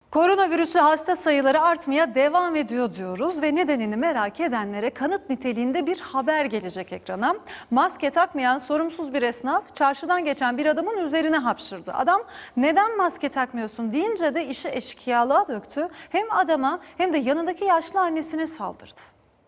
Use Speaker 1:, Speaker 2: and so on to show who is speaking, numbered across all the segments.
Speaker 1: Koronavirüsü hasta sayıları artmaya devam ediyor diyoruz ve nedenini merak edenlere kanıt niteliğinde bir haber gelecek ekrana. Maske takmayan sorumsuz bir esnaf çarşıdan geçen bir adamın üzerine hapşırdı. Adam neden maske takmıyorsun deyince de işi eşkıyalığa döktü. Hem adama hem de yanındaki yaşlı annesine saldırdı.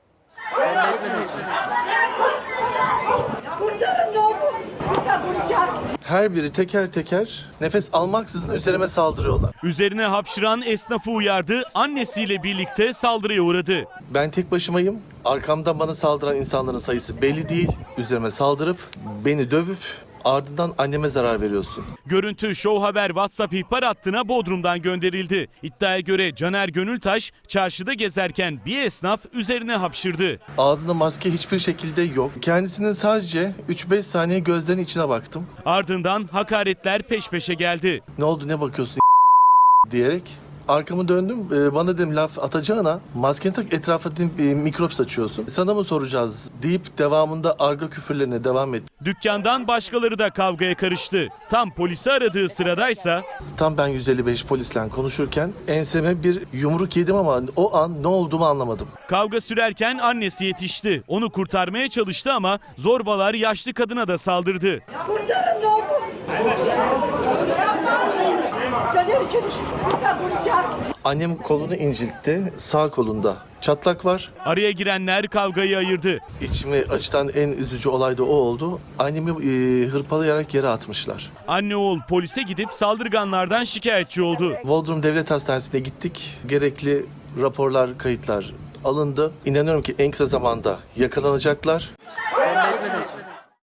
Speaker 2: Kurtarın ne olur. Kurtar polis.
Speaker 3: Her biri teker teker nefes almaksızın üzerime saldırıyorlar.
Speaker 4: Üzerine hapşıran esnafı uyardı, annesiyle birlikte saldırıya uğradı.
Speaker 3: Ben tek başımayım. Arkamdan bana saldıran insanların sayısı belli değil. Üzerime saldırıp beni dövüp ardından anneme zarar veriyorsun.
Speaker 4: Görüntü Show Haber WhatsApp ihbar hattına Bodrum'dan gönderildi. İddiaya göre Caner Gönültaş çarşıda gezerken bir esnaf üzerine hapşırdı.
Speaker 3: Ağzında maske hiçbir şekilde yok. Kendisinin sadece 3-5 saniye gözlerinin içine baktım.
Speaker 4: Ardından hakaretler peş peşe geldi.
Speaker 3: Ne oldu ne bakıyorsun diyerek arkamı döndüm. Bana dedim laf atacağına maskeni tak, etrafa dedim mikrop saçıyorsun. Sana mı soracağız deyip devamında argo küfürlerine devam etti.
Speaker 4: Dükkandan başkaları da kavgaya karıştı. Tam polisi aradığı sıradaysa
Speaker 3: Tam ben 155 polisle konuşurken enseme bir yumruk yedim ama o an ne olduğumu anlamadım.
Speaker 4: kavga sürerken annesi yetişti. Onu kurtarmaya çalıştı ama zorbalar yaşlı kadına da saldırdı.
Speaker 2: Kurtarın ne olur. Caner içeri. Kurtar polis.
Speaker 3: Annem kolunu inciltti. Sağ kolunda çatlak var.
Speaker 4: Araya girenler kavgayı ayırdı.
Speaker 3: İçimi acıtan en üzücü olay da o oldu. Annemi hırpalayarak yere atmışlar.
Speaker 4: Anne oğul polise gidip saldırganlardan şikayetçi oldu.
Speaker 3: Bodrum Devlet Hastanesi'ne gittik. Gerekli raporlar, kayıtlar alındı. İnanıyorum ki en kısa zamanda yakalanacaklar.